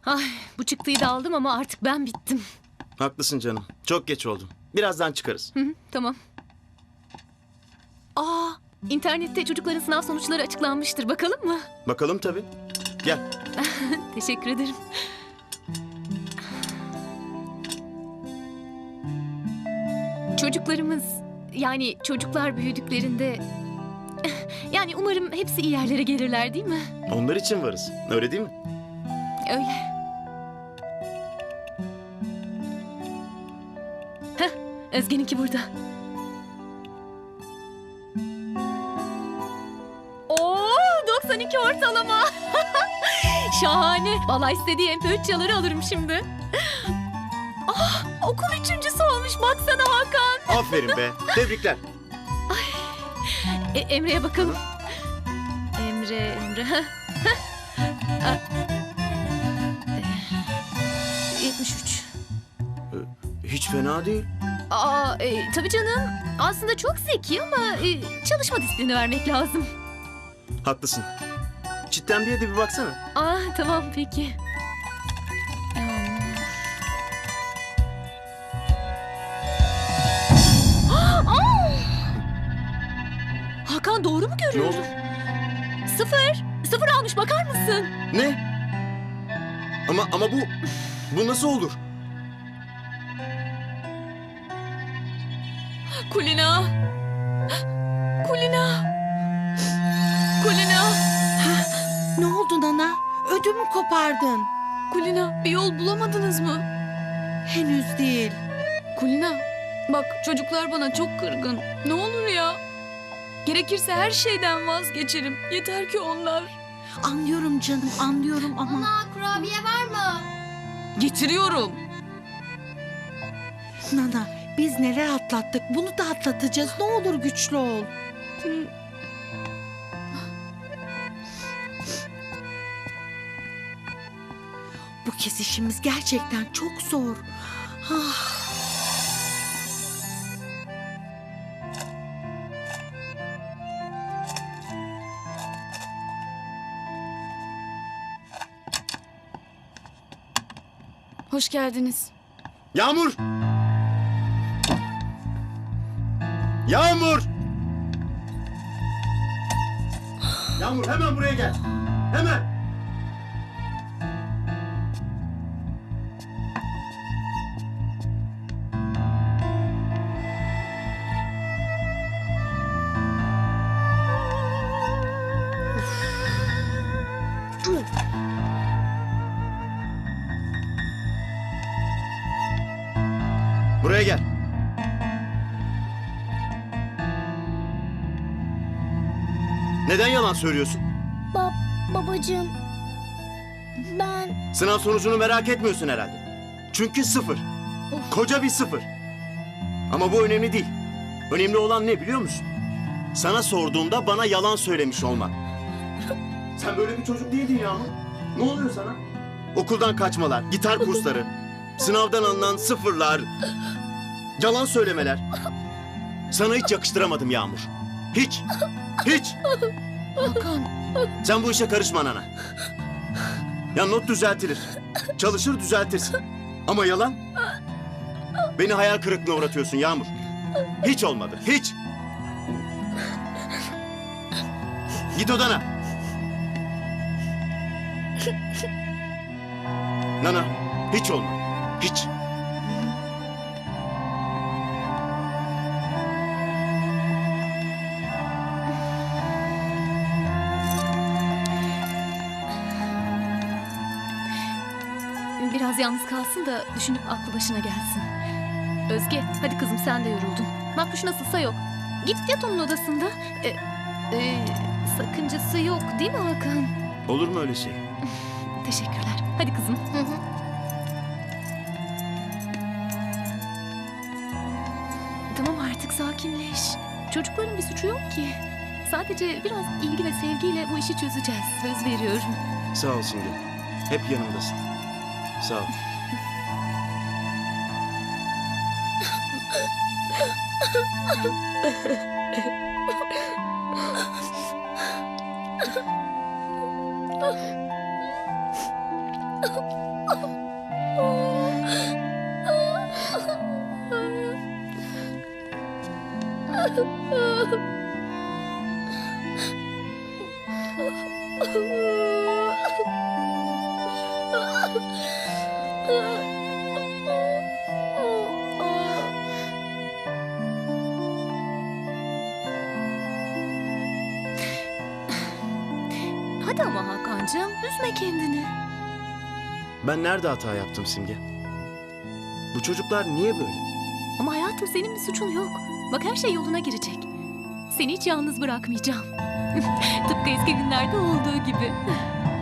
Ay, bu çıktıyı da aldım ama artık ben bittim. Haklısın canım. Çok geç oldu. Birazdan çıkarız. Hı hı, tamam. Aa, internette çocukların sınav sonuçları açıklanmıştır. Bakalım mı? Bakalım tabii. Gel. Teşekkür ederim. Çocuklarımız, yani çocuklar büyüdüklerinde... Yani umarım hepsi iyi yerlere gelirler, değil mi? Onlar için varız. Öyle değil mi? Öyle. Heh, Özge'ninki burada. Oo, 92 ortalama. Şahane. Vallahi istediği MP3 çaları alırım şimdi. Ah, okul üçüncüsü olmuş. Baksana Hakan. Aferin be. Tebrikler. Emre'ye bakalım. Emre. Ah. 73. Hiç fena değil. Aa, tabii canım. Aslında çok zeki ama çalışma disiplini vermek lazım. Haklısın. Çitlenbiye de bir baksana. Aa, tamam peki. Aa! Hakan doğru mu Ne görüyorum? oldu? Sıfır. Sıfır almış, bakar mısın? Ne? Ama bu nasıl olur? Kulina. Kulina. Kulina. Ne oldu Nana? Ödümü kopardın. Kulina, bir yol bulamadınız mı? Henüz değil. Kulina, bak çocuklar bana çok kırgın. Ne olur ya. Gerekirse her şeyden vazgeçerim. Yeter ki onlar. Anlıyorum canım, anlıyorum ama... Ana kurabiye var mı? Getiriyorum. Nana, biz neler atlattık, bunu da atlatacağız. Ne olur güçlü ol. Bu kez işimiz gerçekten çok zor. Ah. Hoş geldiniz. Yağmur! Yağmur! Yağmur hemen buraya gel. Hemen. Buraya gel. Neden yalan söylüyorsun? Babacığım. Ben... Sınav sonucunu merak etmiyorsun herhalde. Çünkü sıfır. Koca bir sıfır. Ama bu önemli değil. Önemli olan ne biliyor musun? Sana sorduğumda bana yalan söylemiş olman. Sen böyle bir çocuk değildin Yağmur. Ne oluyor sana? Okuldan kaçmalar, gitar kursları, sınavdan alınan sıfırlar, yalan söylemeler. Sana hiç yakıştıramadım Yağmur. Hiç. Hiç. Hakan. Sen bu işe karışma Nana. Ya not düzeltilir. Çalışır düzeltirsin. Ama yalan... Beni hayal kırıklığına uğratıyorsun Yağmur. Hiç olmadı. Hiç. Git odana. Nana, hiç olmadı. Hiç. Biraz yalnız kalsın da düşünüp aklı başına gelsin. Özge, hadi kızım sen de yoruldun. Makbuş nasılsa yok. Git yat onun odasında. Sakıncası yok değil mi Hakan? Olur mu öyle şey? Teşekkürler. Hadi kızım. Tamam artık sakinleş. Çocukların bir suçu yok ki. Sadece biraz ilgi ve sevgiyle bu işi çözeceğiz. Söz veriyorum. Sağ ol Simge. Hep yanımdasın. Sağ ol. Hadi ama Hakan'cığım üzme kendini. Ben nerede hata yaptım Simge? Bu çocuklar niye böyle? Ama hayatım senin bir suçun yok. Bak her şey yoluna girecek. Seni hiç yalnız bırakmayacağım. Tıpkı eski günlerde olduğu gibi.